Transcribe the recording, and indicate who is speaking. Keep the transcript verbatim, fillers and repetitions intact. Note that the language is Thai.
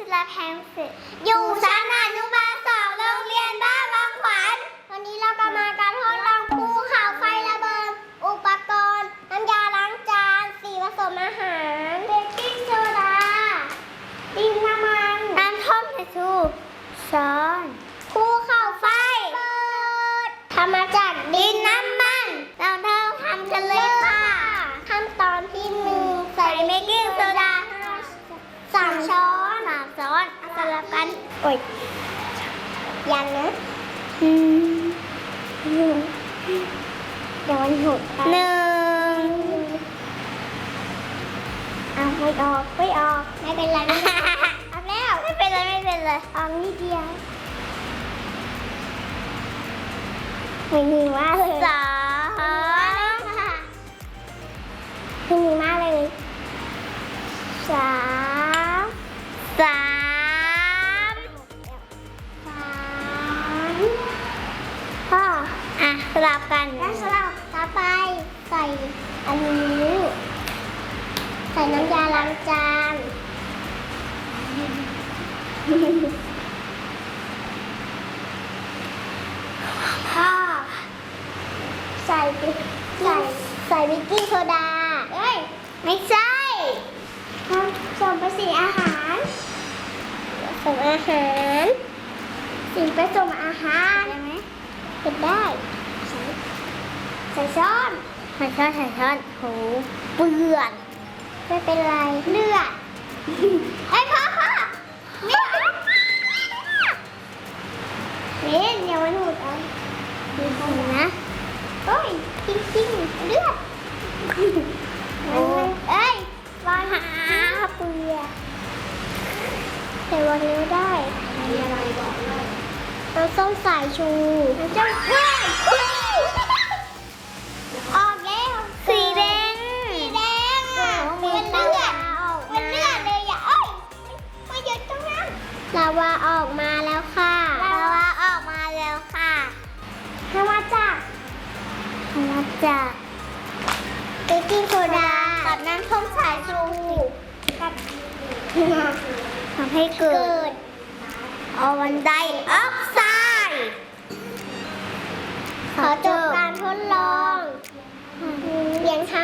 Speaker 1: ศิลาแพงศิษย์อยู่ชั้นอนุบาลสองโรงเรียนบ้านบางขวัญวันนี้เราก็มาการทดลองภูเขาไฟระเบิดอุปกรณ์น้ำยาล้างจานสีผสมอาหารเบกกิ้งโซดาดินน้ำมันน้ำท่อมเทชูช้อนภูเขาไฟทำมาจากดินน้ำมันเราเริ่มทำกันเลยค่ะขั้นตอนที่หนึ่งใส่เบกกิ้งโซดาสามช้อนสามช้อนสลับกันโอ้ยยันนะอืมเดี๋ยวมันหดหนึ่งเอาไม่ออกไม่ออกไม่เป็นไรไม่เป็นไรออกแล้วไม่เป็นไรไม่เป็นไรออกนิดเดียวไม่มีมากเลยสามไม่มีมากเลยสามสามสามพ่ออ่ะสลับกันแล้วสลับต่อไปใส่อันนี้ใส่น้ำยาล้างจานพ่อใส่ใส่ใส่เบกกิ้งโซดาเอ้ยไม่ใช่ผสมผสมอาหารผสมอาหารสิ่งผสมอาหารได้ไหมเป็นได้ใส่ใส่ช้อนใส่ช้อนใส่ช้อนโหเปื่อนไม่เป็นไรเลือดไอ้พ่อพ่อไม่เล่นอย่ามาหนุดเอาดูนะโอ้ยจริงจริงเลือดมันเอ้ยวางหาเปลือกใส่วางนิ้วได้เราต้องสายชูเราจะเฮ้ยออกแล้วสีแดงสีแดงอ่ะเป็นเลือดเป็นเลือดเลยอ่ะเอ้ยไม่หยุดตรงนั้นลาวาออกมาแล้วค่ะลาวาออกมาแล้วค่ะทำมาจากทำมาจากเบกกิ้งโซดากับน้ำส้มสายชูกับทำให้เกิดคาร์บอนไดออกไซด์ขอจบการทดลองเพียงเท่า